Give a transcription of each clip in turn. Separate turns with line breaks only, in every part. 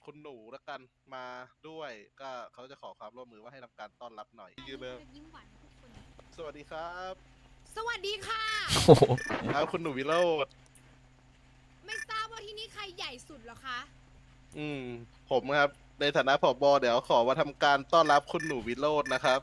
คุณหนูแล้วกันมาด้วย ก็เขาจะขอความร่วมมือว่าให้ทำการต้อนรับหน่อยยืนเลย
ยิ้มหวานทุกคน
สวัสดีครับ
สวัสดีค่ะ
โอ้โห
ครับคุณหนูวิโรจน์
ไม่ทราบว่าที่นี่ใครใหญ่สุดเหรอคะ
ผมครับในฐานะผบ.เดี๋ยวขอมาทำการต้อนรับคุณหนูวิโรจน์นะครับ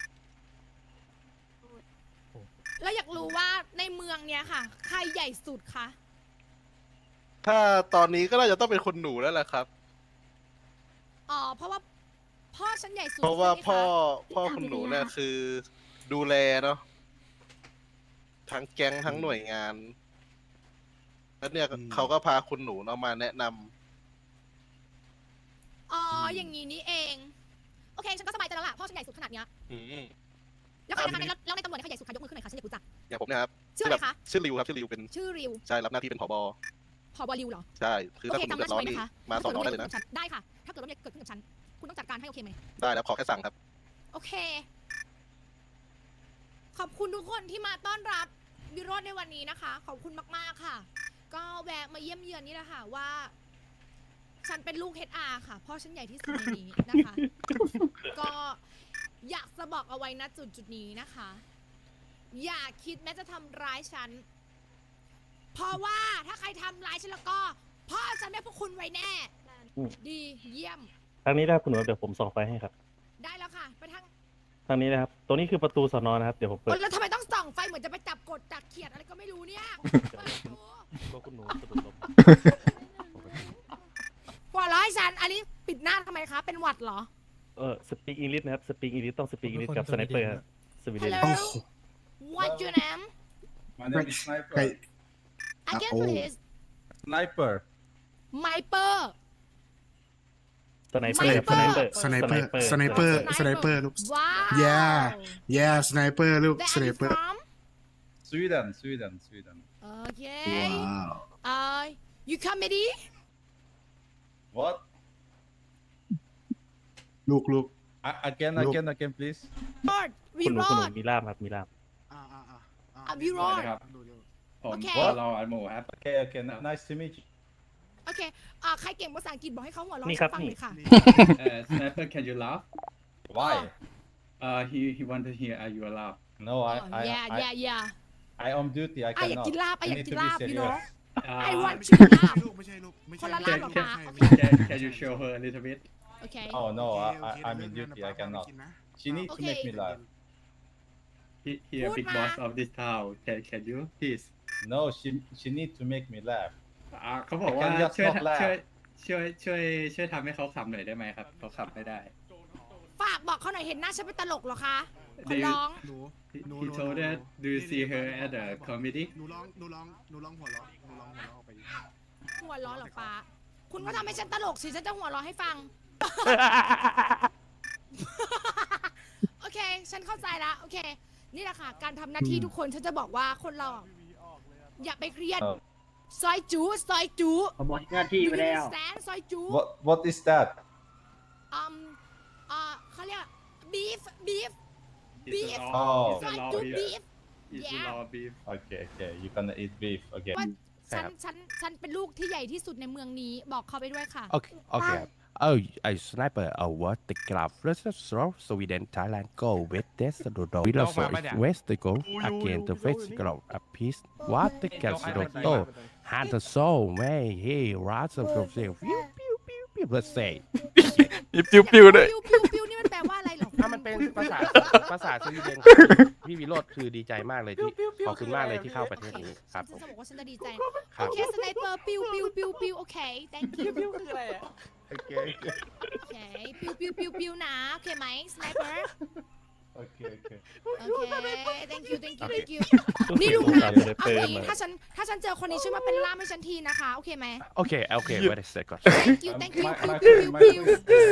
แล้วอยากรู้ว่าในเมืองเนี้ยค่ะ ใครใหญ่สุดคะ
ถ้าตอนนี้ก็น่าจะต้องเป็นคุณหนูแล้วแหละครับ
อ๋อ เพราะว่าพ่อฉันใหญ่สุด
เพราะว่า
ใช่ไหมค
พ่อคุณหนูเนี่ยคือดูแลเนาะทั้งแก๊งทั้งหน่วยงาน แล้วเนี่ยเขาก็พาคุณหนูเนาะมาแนะนำ
อ๋อ อย่างนี้นี่เอง โอเค ฉันก็สบายใจแล้วล่ะ พ่อฉันใหญ่สุดขนาดเนี้ย
อืม
แล้วใครนะคะแล้วในตำรวจเนี่ยใครใหญ่สุดคะยกมือขึ้นหน่อยค่ะฉันอยากรู้จัก
อย่างผมเนะครับ
ชื่ออะไรคะ
ชื่อริวครับชื่อริวเป็น
ชื่อริว
ใช่รับหน้าที่เป็นผบ.
ผบริวเหรอ
ใช่คือ
โอ
ถ้า
เค
คุณหนู
จำห
เดื
น้า
อด
ฉั
ร้อน
นไว้
นี่
นะคะ
มาสอนน้องได้เลยนะ
ได้ค่ะ ถ้าเกิดว่าเกิดขึ้นกับฉัน คุณต้องจัดการให้โอเคไหม
ได้แล้วขอแค่สั่งครับ
โอเค ขอบคุณทุกคนที่มาต้อนรับวิโรจน์ในวันนี้นะคะ ขอบคุณมากๆค่ะ ก็แวะมาเยี่ยมเยือนนี่แหละค่ะว่า ฉันเป็นลูก HR ค่ะ เพราะฉันใหญ่ที่สุดในนี้นะคะ ก็อยากจะบอกเอาไว้ณจุดนี้นะคะ อย่าคิดแม้จะทำร้ายฉัน เพราะว่าถ้าใครทำร้ายฉันแล้วก็พ่อฉันไม่พวกคุณไว้แน่ ดีเยี่ยม
ทางนี้นะครับคุณหนูเดี๋ยวผมส่องไฟให้ครับ
ได้แล้วค่ะ ไปทาง
ทางนี้นะครับ ตรงนี้คือประตูสนนะครับ เดี๋ยวผมเปิด
แล้วทำไมต้องส่องไฟเหมือนจะไปจับกดจับเขียดอะไรก็ไม่รู้เนี่ยเปิดประตู
ตัวคุณหนูสะดุดล้ม
หัวเร้อยฉัน อันนี้ปิดหน้าทำไมคะ เป็นหวัดเหรอ
สปีกอังกฤษนะครับ สปีกอังกฤษต้องสปีกอังกฤษกับสไนเปอร์ครับสวีเดน
Hello What's your name
My name is Sniper.
Again
Oh.
please
Sniper.
Sniper
สไนเปอร์ครับสไนเปอร์
สไนเปอร์สไนเปอร์สไนเปอร์ลูก
ว้าว
yeah สไนเปอร์ลูก
Where
ส
are
ไน
you
เปอร์
from
Sweden.
โอเค
ว้าว
you comedy
What?
ลูก
Again,
Look.
again, please.
Lord วิ
คุณหนู
โร
คุณหนู
จน์
มีล่ามครับ มีล่าม
วิโรจน์
ผม
โอเค
เราอันหมูครับ Okay, nice to meet you.
โอเคใครเก่งภาษาอังกฤษบอกให้เขาหัวเราะ
นี่
ให้
ครับ
ฟัง
นี่
เลยค่ะ
Sniper, can you laugh?
Why?
He want to hear you laugh.
No,
yeah
I on duty. I
อยาก
cannot.
กินลาบ
I
อยาก
need
กิน
to
ลาบ
be
พี่น้อง
serious.
I want
ไม่
to
ใช่
laugh
ลูกไม่ใช่ลูกไม่
ค
ใช่
นละ
ลู
ลาก บเหรอคะ
Can you show her a little bit?
โอเค
Oh no,
โอ
I'm
เค
in
เรื่อง
duty.
นั้น
I cannot.
กินนะ
She needs to
Okay.
make me laugh.
He a big
Put
boss
ma-
of this town. Can you please?
No, she needs to make me laugh.
เขาบอกว่า
Can just
ช่วย
not laugh.
ช่วยทำให้เขาขำหน่อยได้ไหมครับเขาขำไม่ได้
ฝากบอกเขาหน่อยเห็นหน้าฉันเป็นตลกเหรอคะขอ
Do you-
ร้อง
หนู
He told her, do you see her at the comedy?
หนูร้องหัวเราะหนูร้องหัวเราะออกไปดิ
หัวเร้อนเหรอป้าคุณก็ทำให้ฉันตลกสิฉันจะหัวเร้อให้ฟัง โอเค ฉันเข้าใจละโอเค นี่แหละค่ะ การทำหน้าที่ทุกคนฉันจะบอกว่าคนเราอะอย่าไปเครียด
เออ
ซอยจูซอยจู
ผมหมดหน้าที่ไปแล้ว
แซนซอยจู
What is that?
เขาเรียกบีฟ
It's
Beef.
a
อ๋อ
law.
ซ
It's
อย
a law
จู
here.
บีฟ
It's a
Yeah.
law beef.
Okay, you're gonna eat beef. Okay.
ว่าฉันเป็นลูกที่ใหญ่ที่สุดในเมืองนี้บอกเขาไปด้วยค่ะ
Okay. Oh, a sniper. What the club? Let's throw Sweden, Thailand. Go with this. We love West. They go again. The face club. A piece. What the casino? Had the soul. May he rats of the pew pew pew pew. Let's say.
ปิ้วๆด้วย
ปิ้วนี่มันแปลว่าอะไรหรอ
ถ้ามันเป็นภาษาสวีเดนพี่วิโรธคือดีใจมากเลยที่ขอบคุณมากเลยที่เข้าประเทศนี้ครับผม
ฉันจะบอกว่าฉันจะดีใจ
ครั
โอบ เคสไนเปอร์ปิ้วโอเค thank you
โอเค
โอเคปิ้วนะโอเคไหมสไนเปอร์
Okay.
โอเค thank you
โอเค
นี่ลุง
ส
นะ
งสารสไนเป
เอา
อร์
งี้
มา
ถ้าฉันเจอคนนี้ช่วยมาเป็นล่ามให้ฉันทีนะคะ โอเคไหม
โอเค wait a second
thank you
My
ปิ้ว